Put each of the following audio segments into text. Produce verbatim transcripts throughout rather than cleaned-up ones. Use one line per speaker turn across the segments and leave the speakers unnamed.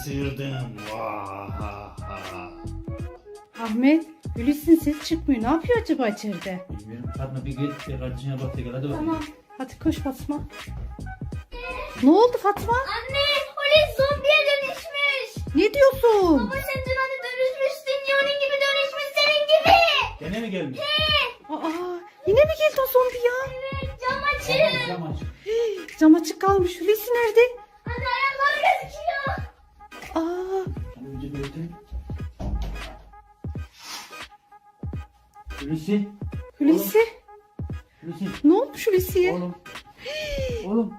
kaçırdım. Vahaha.
Ahmet, Hulusi'nin ses çıkmıyor. Ne yapıyor acaba içeride?
Bilmiyorum. Fatma bir git bir kardeşine bak da gel hadi bakalım.
Tamam. Hadi koş Fatma. Ne oldu Fatma?
Anne, Hulusi zombiye dönüşmüş.
Ne diyorsun?
Baba sen dün hani dönüşmüşsün ya, onun gibi dönüşmüş senin gibi.
Gene mi gelmiş?
Aa, yine mi geldi o zombi ya?
Evet, cam
Tamam,
açın.
cam aç.
Cam açık kalmış. Hulusi nerede?
Anne ayakları gözüküyor.
Aa,
Hadi önce bir ötün. Hulusi.
Hulusi.
Hulusi.
Ne olmuş Hulusi'ye?
Oğlum. Oğlum.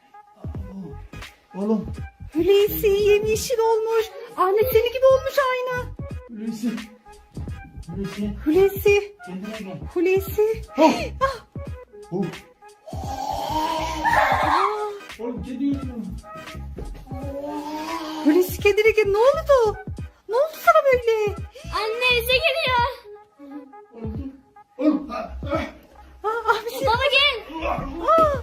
Oğlum.
Hulusi yemyeşil olmuş. Ahmet seni gibi olmuş aynı.
Hulusi. Hulusi.
Hulusi.
Kendine gel.
Hulusi.
Oh.
Ah.
Oh.
Aa,
Oğlum kedi yüzüyor.
Hulusi kendine gel. Ne oldu? Ne oldu sana böyle?
Anne bize geliyor.
Oğlum. Oğlum. Ah, ah.
Aa, Ahmet seni...
Baba gel.
Aa.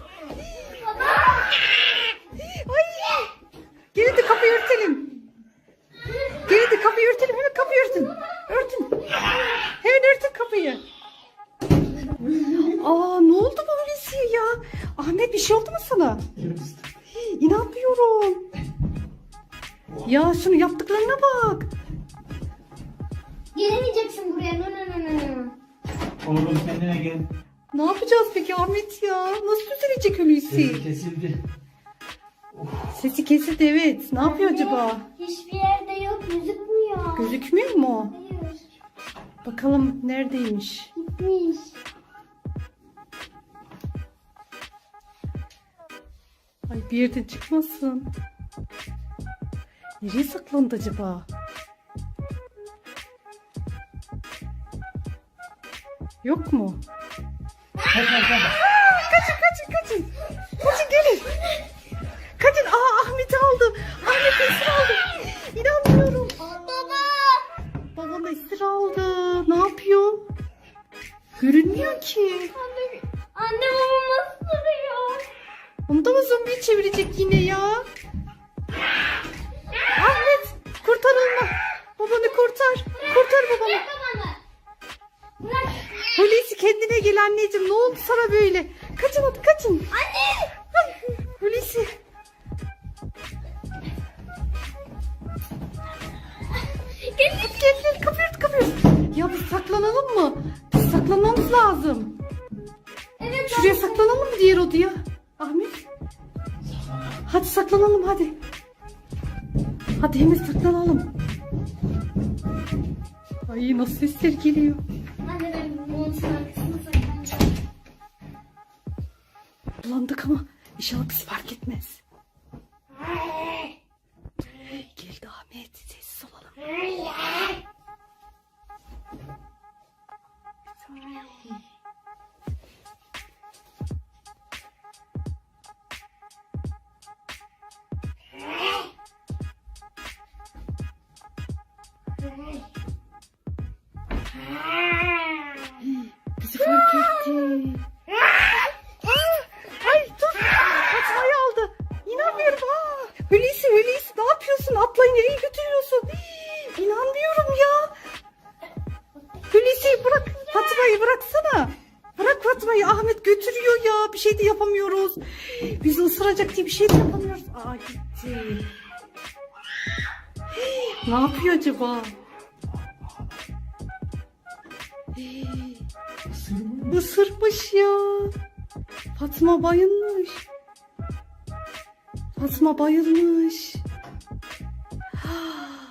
Ay. Gelin de kapıyı örtelim. Gelin de kapıyı örtelim. Hemen kapıyı örtün. Örtün. Hemen örtün kapıyı. Aa, ne oldu bu Hulusi'ye ya? Ahmet bir şey oldu mu sana? Hii, İnanmıyorum. Ya şunu yaptıklarına bak.
Gelemeyeceksin buraya. No no no no no.
Oğlum kendine gel.
Ne yapacağız peki Ahmet ya? Nasıl düzelecek Hulusi?
Sesi kesildi.
Sesi kesildi evet. Ne yapıyor acaba?
Hiçbir yerde yok, gözükmüyor.
Gözükmüyor mu?
Hayır,
Bakalım neredeymiş?
gitmiş.
Ay bir yerden çıkmasın. Nereye saklandı acaba? Yok mu?
Kaç kaç kaç.
Kaçın kaçın kaçın. Kaçın gelin. Kaçın. Aa Ahmet'i aldı. Ahmet esir aldı. İnanmıyorum.
Baba.
Babam esir aldı. Ne yapıyor? Görünmüyor ki.
Anne, anne babam nasıl duruyor?
Onu da mı zombiye çevirecek yine ya? Ahmet kurtar onu. Babanı kurtar. Kurtar babanı.
Bırak babanı. Bırak.
Hulusi kendine gel anneciğim. Ne oldu sana böyle? Kaçın hadi kaçın.
Anne.
Ay, Hulusi.
Gel.
Hadi gel gel kapıyı ört kapıyı ört. Ya biz saklanalım mı? Biz saklanmamız lazım.
Evet.
Şuraya saklanalım mı diğer odaya? Ahmet. Hadi saklanalım hadi. Hadi hemen saklanalım. Ay nasıl sesler geliyor.
Anne ben monsun arkasına saklanacağım.
Bulandık ama inşallah bizi fark etmez. Geldi Ahmet. Sessiz olalım. Bizi fark etti. Ay dur. Fatma'yı aldı. İnanmıyorum. Aa, Hulusi Hulusi ne yapıyorsun? Atlayı nereye götürüyorsun? Hii, İnanmıyorum ya. Hulusi bırak. Fatma'yı bıraksana. Bırak Fatma'yı. Ahmet götürüyor ya. Bir şey de yapamıyoruz. Bizi ısıracak diye bir şey de yapamıyoruz. Aa gitti. Hii, Ne yapıyor acaba? Hii, Isırmış ya. Fatma bayılmış. Fatma bayılmış.